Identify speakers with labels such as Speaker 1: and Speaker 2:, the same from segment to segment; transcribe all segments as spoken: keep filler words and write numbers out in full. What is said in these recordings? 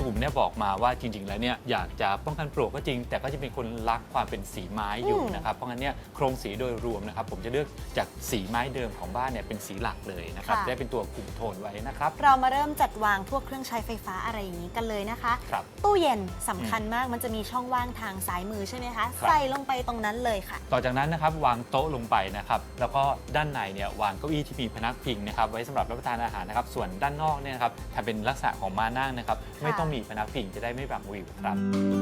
Speaker 1: สุขุมเนี่ยบอกมาว่าจริงๆแล้วเนี่ยอยากจะป้องกันปลวกก็จริงแต่ก็จะเป็นคนรักความเป็นสีไม้อยู่นะครับเพราะงั้นเนี่ยโครงสีโดยรวมนะครับผมจะเลือกจากสีไม้เดิมของบ้านเนี่ยเป็นสีหลักเลยนะครับได้เป็นตัวคุมโทนไว้นะครับ
Speaker 2: เรามาเริ่มจัดวางพวกเครื่องใช้ไฟฟ้าอะไรอย่างนี้กันเลยนะคะตู้เย็นสำคัญมากมันจะมีช่องว่างทางซ้ายมือใช่ไหมคะใส่ลงไปตรงนั้นเลยค่ะ
Speaker 1: ต่อจากนั้นนะครับวางโต๊ะลงไปนะครับแล้วก็ด้านในเนี่ยวางเก้าอี้ที่มีพนักพิงนะครับไว้สำหรับรับประทานอาหารนะครับส่วนด้านนอกเนี่ยนะครับทำเป็นลักษณะของม้านั่งนะครับไม่ต้องมีพนักพิงจะได้ไม่บังวิวครับ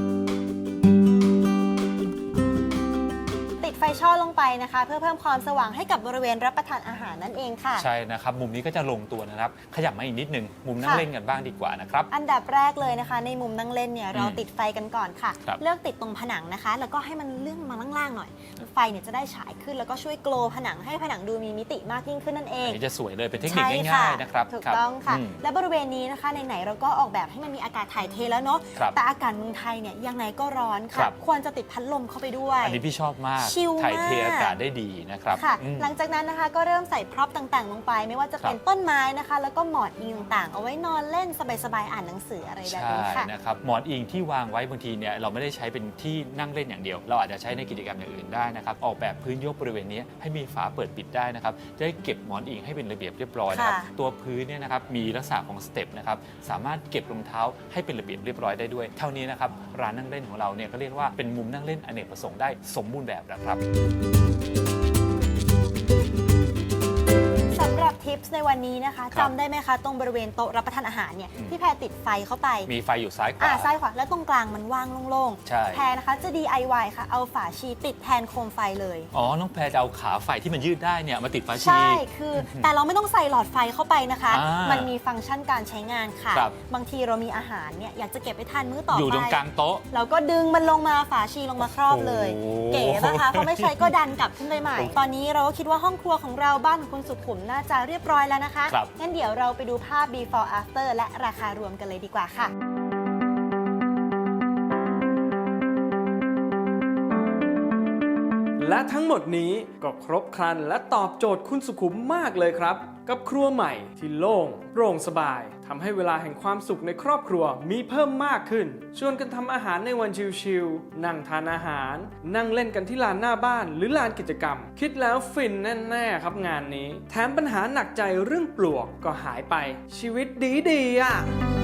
Speaker 2: ไฟช่อลงไปนะคะเพื่อเพิ่มความสว่างให้กับบริเวณรับประทานอาหารนั่นเองค่ะ
Speaker 1: ใช่นะครับมุมนี้ก็จะลงตัวนะครับขยับมาอีกนิดนึงมุมนั่งเล่นกันบ้างดีกว่านะครับ
Speaker 2: อันดับแรกเลยนะคะในมุมนั่งเล่นเนี่ยเราติดไฟกันก่อนค่ะเลือกติดตรงผนังนะคะแล้วก็ให้มันเลื่อนมาล่างๆหน่อยไฟเนี่ยจะได้ฉายขึ้นแล้วก็ช่วยโกลผนังให้ผนังดูมีมิติมากยิ่งขึ้นนั่นเอง
Speaker 1: อันนี้จะสวยเลยเป็นเทคนิคง่ายๆนะครับ
Speaker 2: ถูกต้องค่ะและบริเวณนี้นะคะไหนๆเราก็ออกแบบให้มันมีอากาศถ่ายเทแล้วเนาะแต่อากาศเมืองไทยเนี่ยยังไงก็ร้อนค่ะควรจะติดพัดลมเข้าไปด้วย
Speaker 1: อันนี้พี่ชอบมาก
Speaker 2: ถ่
Speaker 1: ายเทอากาศได้ดีนะครับ
Speaker 2: ค่ะหลังจากนั้นนะคะก็เริ่มใส่พร็อพต่างๆลงไปไม่ว่าจะเป็นต้นไม้นะคะแล้วก็หมอนอิงต่างๆเอาไว้นอนเล่นสบายๆอ่านหนังสืออะไรแบบนี้ค่ะ
Speaker 1: ใช่นะครับหมอนอิงที่วางไว้บางทีเนี่ยเราไม่ได้ใช้เป็นที่นั่งเล่นอย่างเดียวเราอาจจะใช้ในกิจกรรมอย่างอื่นได้นะครับออกแบบพื้นยกบริเวณนี้ให้มีฝาเปิดปิดได้นะครับจะได้เก็บหมอนอิงให้เป็นระเบียบเรียบร้อยนะครับตัวพื้นเนี่ยนะครับมีลักษณะของสเต็ปนะครับสามารถเก็บรองเท้าให้เป็นระเบียบเรียบร้อยได้ด้วยเท่านี้นะครับร้านนั่งเล่นของเราเนี่ยก็เรียกว่าเป็นมุมนั่งเล่นอเนกประสงค์ได้สมบูรณ์แบบนะครับ
Speaker 2: ทิปส์ในวันนี้นะคะจำได้ไหมคะตรงบริเวณโต๊ะรับประทานอาหารเนี่ยพี่แพรติดไฟเข้าไป
Speaker 1: มีไฟอยู่ซ้ายขวา
Speaker 2: อ่าซ้ายขวาแล้วตรงกลางมันว่างโล่งๆแพรนะคะจะ ดี ไอ วาย ค่ะเอาฝาชีติดแทนโคมไฟเลย
Speaker 1: อ๋อน้องแพรจะเอาขาไฟที่มันยืดได้เนี่ยมาติดฝาชี
Speaker 2: ใช่คือแต่เราไม่ต้องใส่หลอดไฟเข้าไปนะคะมันมีฟังก์ชันการใช้งานค่ะบางทีเรามีอาหารเนี่ยอยากจะเก็บไปทานมื้อต่อไป
Speaker 1: อยู่ตรงกลางโต๊ะ
Speaker 2: เราก็ดึงมันลงมาฝาชีลงมาครอบเลยเก๋นะคะเพราะไม่ใช้ก็ดันกลับขึ้นไปใหม่ตอนนี้เราก็คิดว่าห้องครัวของเราบ้านของคุณสุขุมน่าจะเรียบร้อยแล้วนะคะงั้นเดี๋ยวเราไปดูภาพ before after และราคารวมกันเลยดีกว่าค่ะ
Speaker 3: และทั้งหมดนี้ก็ครบครันและตอบโจทย์คุณสุขุมมากเลยครับกับครัวใหม่ที่โล่งโปร่งสบายทำให้เวลาแห่งความสุขในครอบครัวมีเพิ่มมากขึ้นชวนกันทำอาหารในวันชิลๆนั่งทานอาหารนั่งเล่นกันที่ลานหน้าบ้านหรือลานกิจกรรมคิดแล้วฟินแน่ๆครับงานนี้แถมปัญหาหนักใจเรื่องปลวกก็หายไปชีวิตดีๆอ่ะ